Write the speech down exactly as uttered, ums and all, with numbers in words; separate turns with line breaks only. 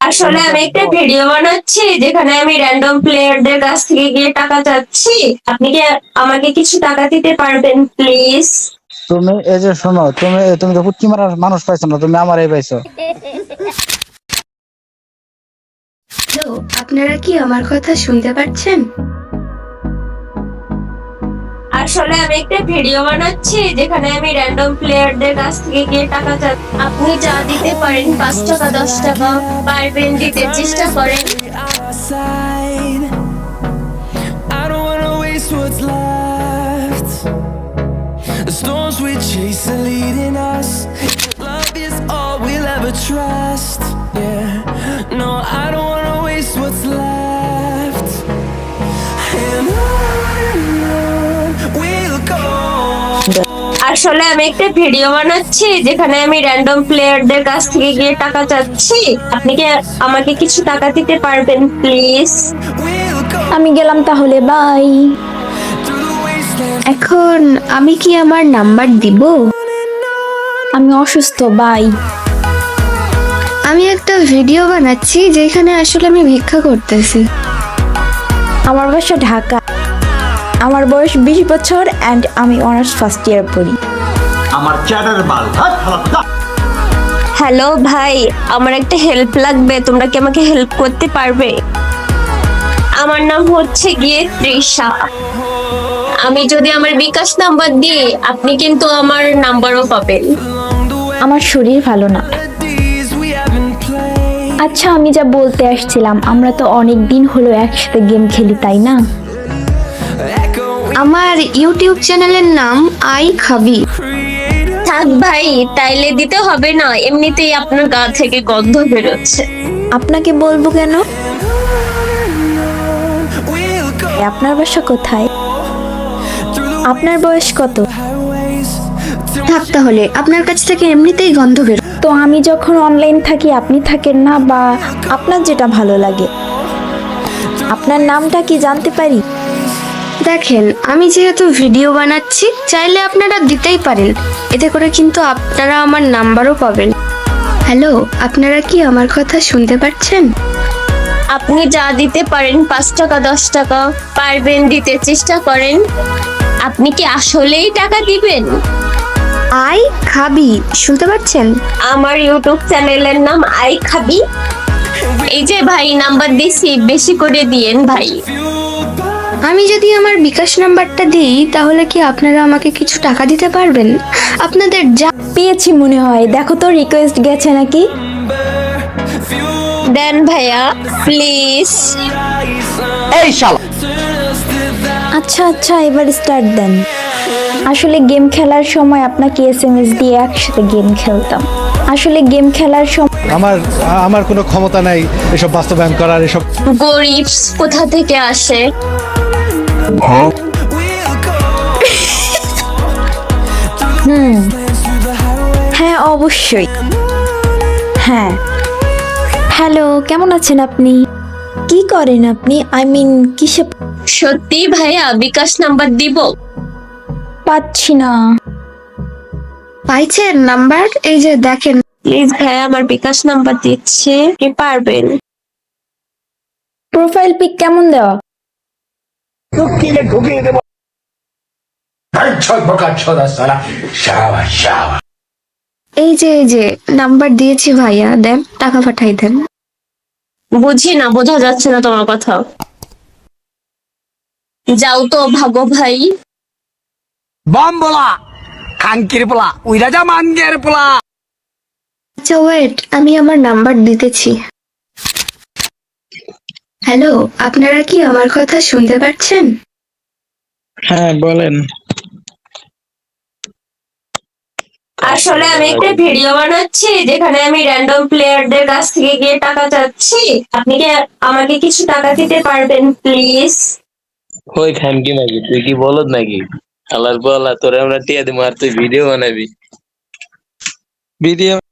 আসলে আমি একটা ভিডিও বানাচ্ছি যেখানে আমি র্যান্ডম প্লেয়ারদের কাছ থেকে গিয়ে টাকা চাচ্ছি। আপনি কি আমাকে কিছু টাকা দিতে পারবেন প্লিজ?
তুমি এই যে শোনো, তুমি তুমি তো পুটকি মারার মানুষ পাইছো না, তুমি আমারই পাইছো।
হ্যালো, আপনারা কি আমার কথা শুনতে পাচ্ছেন?
আসলে আমি একটা ভিডিও বানাচ্ছি যেখানে আমি র্যান্ডম প্লেয়ারদের কাছ থেকে গিয়ে টাকা চাচ্ছি। আপনি যা দিতে পারেন, পাঁচ টাকা দশ টাকা পারবেন দিতে চেষ্টা করেন।
I don't wanna waste what's left. The storms we chase are leading us. Love is all we'll ever trust. Yeah, no, I don't wanna waste what's left. And on we'll go.
আসলে আমি একটা video বানাচ্ছি যেখানে আমি random প্লেয়ারদের কাছ থেকে গিয়ে টাকা চাচ্ছি। আপনি কি আমাকে কিছু টাকা দিতে পারবেন প্লিজ?
We'll go
আমি গেলাম তাহলে, বাই।
through the wasteland.
এখন আমি কি আমার নাম্বার দিব? আমি অসুস্থ, বাই। আমি একটা ভিডিও বানাচ্ছি যেখানে আসলে আমি ভিক্ষা করতেছি। আমার বাসা ঢাকা। আমার বয়স বিশ বছর অ্যান্ড আমি অনার্স ফার্স্ট ইয়ার পড়ি।
আমার চ্যাটার বাল হাত খারাপ।
হ্যালো ভাই, আমার একটা হেল্প লাগবে, তোমরা কি আমাকে হেল্প করতে পারবে? আমার নাম হচ্ছে গিয়ে তৃষা। আমি যদি আমার বিকাশ নাম্বার দিই, আপনি কিন্তু আমার নাম্বারও পাবেন।
আমার শরীর ভালো না।
Melodies we haven't played.
আচ্ছা, আমি যা বলতে আসছিলাম, আমরা তো অনেক দিন হলো একসাথে গেম খেলি, তাই না?
Echoing
আমার ইউটিউব চ্যানেলের নাম আই খাবি।
creator.
থাক ভাই, তাইলে দিতে হবে না, এমনিতেই আপনার গা থেকে গন্ধ বেরোচ্ছে।
আপনাকে বলবো কেন?
We'll go
আপনার বাসা কোথায়?
through the
আপনার বয়স কত?
highways till
থাক তাহলে, আপনার কাছ থেকে এমনিতেই গন্ধ বের। তো আমি যখন অনলাইন থাকি আপনি থাকেন না, বা আপনার যেটা ভালো লাগে। আপনার নামটা কি জানতে পারি? দেখেন, আমি যেহেতু ভিডিও বানাচ্ছি, চাইলে আপনারা দিতেই পারেন, এতে করে কিন্তু আপনারা আমার নাম্বারও পাবেন। হ্যালো, আপনারা কি আমার কথা শুনতে পাচ্ছেন?
আপনি যা দিতে পারেন, পাঁচ টাকা দশ টাকা পারবেন দিতে চেষ্টা করেন। আপনি কি আসলেই টাকা দিবেন?
আই খাবি, শুনতে পাচ্ছেন?
আমার ইউটিউব চ্যানেলের নাম আই খাবি। এই যে ভাই, নাম্বার দিছি, বেশি করে দিয়েন ভাই।
fueled by
আমি যদি আমার বিকাশ নাম্বারটা দিই, তাহলে কি আপনারা আমাকে কিছু টাকা দিতে পারবেন? আপনাদের যা পেয়েছি মনে হয়, দেখো তো রিকোয়েস্ট গেছে নাকি।
fueled
দেন ভাইয়া প্লিজ।
এই শালা
turn us to that.
আচ্ছা আচ্ছা, এবার স্টার্ট দেন। আসলে গেম খেলার সময় আপনাকে এস এম এস দিয়ে একসাথে গেম খেলতাম। আসলে গেম খেলার সময়
আমার আমার কোনো ক্ষমতা নাই এসব বাস্তবায়ন করার। এসব
গরিব কোথা থেকে আসে?
We'll go
hmm,
through the highways.
হ্যাঁ অবশ্যই। হ্যাঁ, হ্যালো, কেমন আছেন আপনি? কি করেন আপনি? আই মিন কিসে?
সত্যি ভাইয়া, বিকাশ নাম্বার দিব?
পাচ্ছি না। পাইছেন নাম্বার? এই যে দেখেন।
প্লিজ ভাইয়া, আমার বিকাশ নাম্বার দিচ্ছে, কি পারবেন?
প্রোফাইল পিক কেমন দেওয়া?
ছয় প্রকার ছদা সালা শাবা শাবা।
এই যে এই যে নাম্বার দিয়েছি ভাইয়া, দেন টাকা পাঠাই দেন।
বুঝি না, বোঝা যাচ্ছে না তোমার কথা। যাও তো, ভাগো ভাই।
বম বলা খাঙ্কির পোলা উই রাজা মানগের পোলা।
আচ্ছা ওয়েট, আমি আমার নাম্বার দিতেছি। হ্যালো, আপনারা কি আমার কথা শুনতে পাচ্ছেন?
হ্যাঁ বলেন।
আসলে আমি একটা ভিডিও বানাচ্ছি যেখানে আমি র্যান্ডম প্লেয়ারদের কাছ থেকে গিয়ে টাকা চাচ্ছি। আপনি কি আমাকে কিছু টাকা দিতে পারবেন প্লিজ?
ওই খানকি নাকি তুই কি বলদ নাকি? আল্লাহর বলা তোরে আমরা টিয়া দিমু আর তুই ভিডিও বানাবি।
ভিডিও